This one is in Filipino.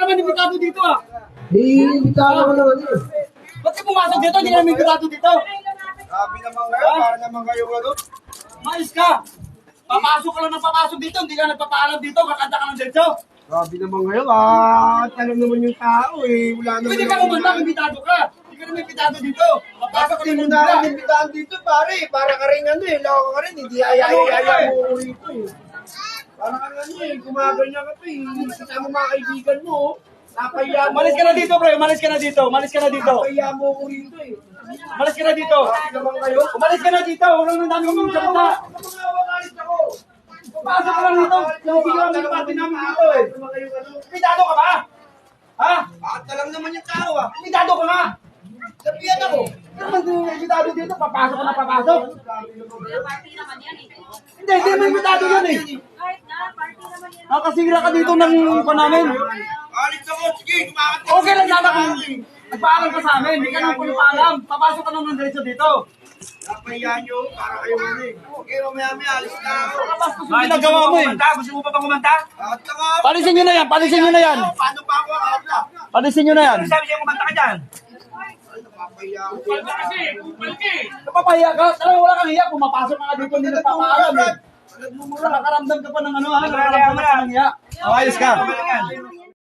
naman imbitado dito ah. Imbitahan ko naman yun. Ba't ka pumasok dito? Hindi ka naman imbitado dito. Grabe naman kayo, para naman kayo ano. Mais ka. Papasok ka lang ng papasok dito. Hindi ka nagpapaalam dito. Kakanta ka ng diretso. Grabe naman kayo, tanong naman yung tao eh. Wala naman. Pwede ka kumanta kung imbitado ka. Hindi ka naman imbitado dito. Papasok ka Hindi lang mo ng na bigla. ako imbitahan dito, pare. Para ka rin ano eh, loko ka rin. Hindi ayaya mo ko rito eh. Para ka ano eh, gumaganyan ka pa eh. Kasama mga kaibigan mo. Napahiya mo. Umalis ka na dito, pre. Umalis ka na dito. Umalis ka na dito. Napahiya mo ko rito eh. Umalis ka na dito. Grabe naman kayo. Umalis ka na dito. Walang nang dami mong salita. Kapag ako. Papasok ka lang dito. Hindi ka naman pati namin dito eh. Imbitado ka ba? Ha? Bakit lang naman yung tao ah. Imbitado ka nga. Sabihan ako. Imbitado dito. Papasok ka na papasok. Party naman yan eh. Hindi mo imbitado yun eh. Kahit na, party naman yan. Nakasira ka dito ng pa namin. Alis ako, sige, kumakati. Okay lang sana kung nagpaalam ka sa amin. Hindi ka naman pumapaalam. Papasok ka naman diretso dito. Napahiya nyo, para kayo ano eh. Okay, mamaya alis na ako. Kapastos yung ginagawa mo eh. Gusto mo pa bang kumanta? Bakit ako? Palisin nyo na yan. Palisin nyo na yan. Paano pa ako akala? Palisin nyo na yan. Sabi siya kumanta ka dyan. Napapahiya ako. Napapahiya ka. Talagang wala kang hiya. Pumapasok ka nga dito. Hindi nagpapaalam eh. Nakaramdam ka pa ng ano ha. Nakaramdam ka pa ng hiya. Ayos ka. Yan.